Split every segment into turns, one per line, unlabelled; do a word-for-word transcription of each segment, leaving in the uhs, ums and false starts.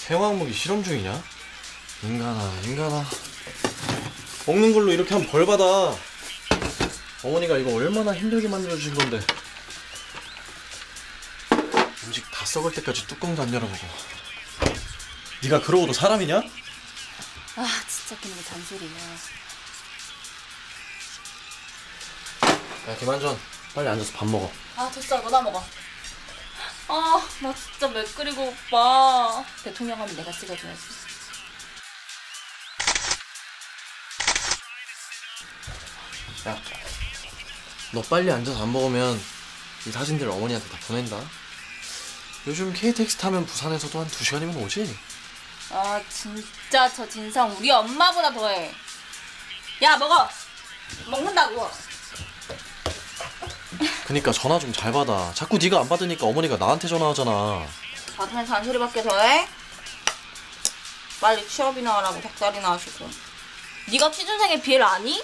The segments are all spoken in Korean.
생화학무기 실험 중이냐? 인간아 인간아, 먹는 걸로 이렇게 하면 벌 받아. 어머니가 이거 얼마나 힘들게 만들어주신 건데. 음식 다 썩을 때까지 뚜껑도 안 열어보고. 네가 그러고도 사람이냐?
아 진짜 그놈의 잔소리야.
야 김한전, 빨리 앉아서 밥 먹어.
아 됐어, 너나 먹어. 아 나 진짜 매 끓이고 오빠. 대통령 하면 내가 찍어줘야지.
야, 너 빨리 앉아서 안 먹으면 이 사진들 어머니한테 다 보낸다. 요즘 케이티엑스 타면 부산에서도 한 두 시간이면 오지?
아 진짜 저 진상 우리 엄마보다 더해. 야 먹어. 먹는다고.
그니까 전화 좀 잘 받아. 자꾸 네가 안 받으니까 어머니가 나한테 전화하잖아.
받으면 잔소리밖에 더해? 빨리 취업이나 하라고 닭다리나 하시고. 네가 취준생의 비애를 아니?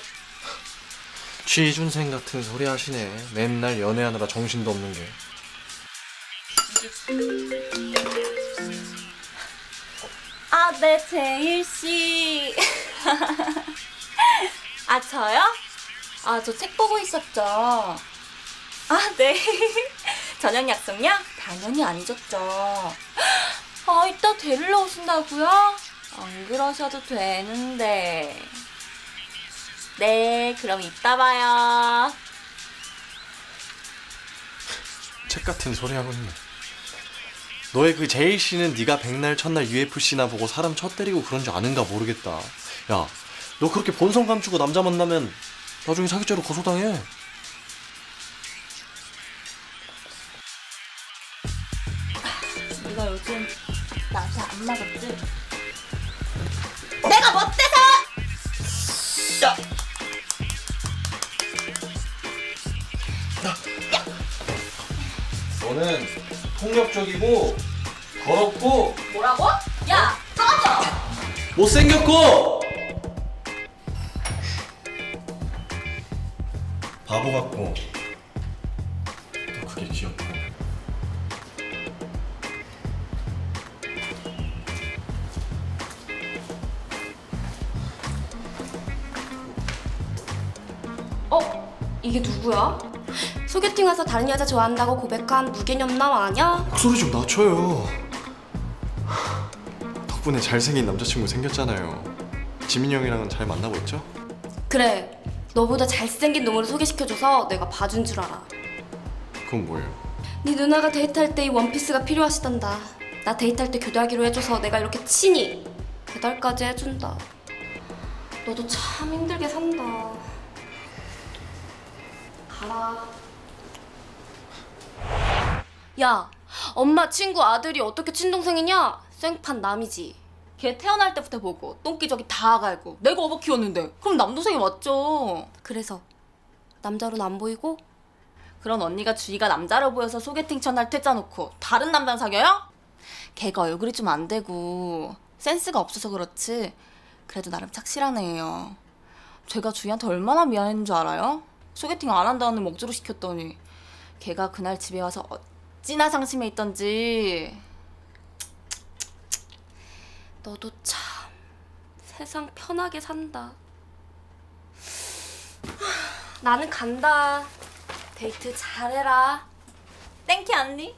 취준생 같은 소리 하시네. 맨날 연애하느라 정신도 없는 게.
아, 네, 제일씨. 아, 저요? 아, 저 책 보고 있었죠. 아, 네. 저녁 약속요? 당연히 안 잊었죠. 아, 이따 데리러 오신다고요? 안 그러셔도 되는데. 네, 그럼 이따 봐요.
책 같은 소리 하고 있네. 너의 그 제일 씨는 네가 백날 첫날 유에프씨나 보고 사람 쳐 때리고 그런 줄 아는가 모르겠다. 야, 너 그렇게 본성 감추고 남자 만나면 나중에 사기죄로 고소당해.
네가 요즘 나한테 안 맞았지? 내가 못돼서!
야! 너는 폭력적이고 더럽고
뭐라고? 야! 꺼져!
못생겼고 바보 같고 또 그게 귀엽고.
어? 이게 누구야? 소개팅 와서 다른 여자 좋아한다고 고백한 무개념남 아냐?
목소리 좀 낮춰요. 덕분에 잘생긴 남자친구 생겼잖아요. 지민이 형이랑은 잘 만나고 있죠?
그래, 너보다 잘생긴 놈으로 소개시켜줘서 내가 봐준 줄 알아.
그건 뭐예요?
네 누나가 데이트할 때 이 원피스가 필요하시단다. 나 데이트할 때 교대하기로 해줘서 내가 이렇게 친히 배달까지 해준다. 너도 참 힘들게 산다. 가라. 야, 엄마 친구 아들이 어떻게 친동생이냐? 생판 남이지.
걔 태어날 때부터 보고 똥기저귀 다 갈고 내가 어버 키웠는데 그럼 남동생이 맞죠.
그래서 남자로는 안 보이고?
그런 언니가 주위가 남자로 보여서 소개팅 첫날 퇴짜놓고 다른 남자랑 사겨요? 걔가 얼굴이 좀 안 되고 센스가 없어서 그렇지 그래도 나름 착실한 애예요. 제가 주희한테 얼마나 미안했는 줄 알아요? 소개팅 안 한다는 목조로 시켰더니 걔가 그날 집에 와서 어찌나 상심해 있던지.
너도 참 세상 편하게 산다. 나는 간다. 데이트 잘해라.
땡큐 언니.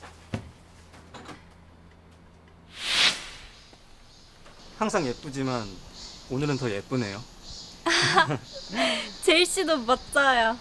항상 예쁘지만 오늘은 더 예쁘네요.
제일 씨도 멋져요.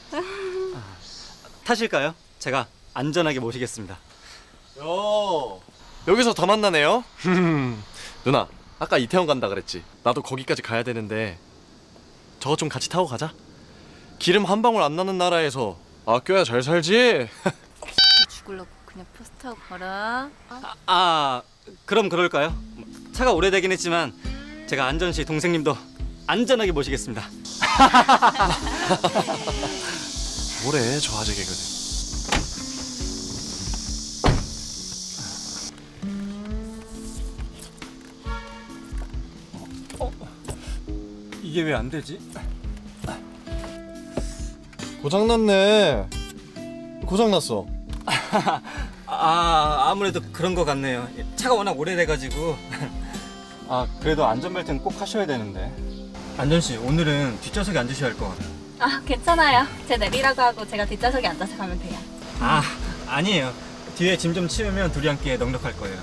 타실까요? 제가 안전하게 모시겠습니다.
요, 여기서 다 만나네요. 누나, 아까 이태원 간다 그랬지? 나도 거기까지 가야 되는데 저거 좀 같이 타고 가자. 기름 한 방울 안 나는 나라에서 아껴야 잘 살지.
죽을라고 그냥 포스트하고 가라.
아, 아 그럼 그럴까요? 차가 오래되긴 했지만 제가 안전씨 동생님도 안전하게 모시겠습니다.
뭐래 저 아재 개그는.
어? 이게 왜 안 되지?
고장났네. 고장났어.
아 아무래도 그런 것 같네요. 차가 워낙 오래돼가지고. 아 그래도 안전벨트는 꼭 하셔야 되는데. 안전 씨 오늘은 뒷좌석에 앉으셔야 할 것 같아요.
아, 괜찮아요. 제 내리라고 하고 제가 뒷좌석에 앉아서 가면 돼요.
아 아니에요. 뒤에 짐 좀 치우면 둘이 함께 넉넉할 거예요.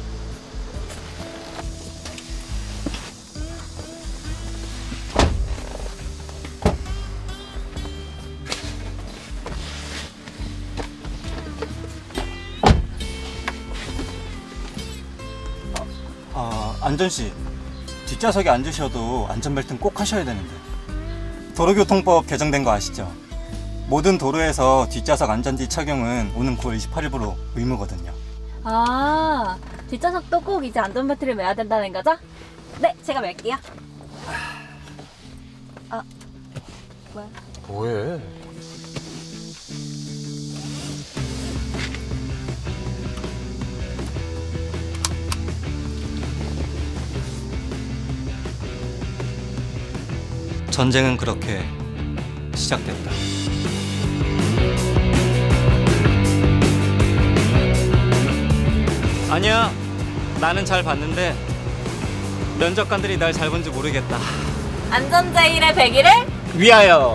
아, 안전 씨 뒷좌석에 앉으셔도 안전벨트는 꼭 하셔야 되는데. 도로교통법 개정된 거 아시죠? 모든 도로에서 뒷좌석 안전띠 착용은 오는 구월 이십팔일부로 의무거든요.
아, 뒷좌석도 꼭 이제 안전벨트를 매야 된다는 거죠? 네, 제가 맬게요. 아, 뭐야?
뭐해?
전쟁은 그렇게 시작됐다. 아니야, 나는 잘 봤는데 면접관들이 날 잘 본지 모르겠다.
안전제일의 백일을
위하여.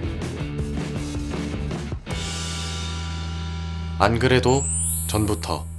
안 그래도 전부터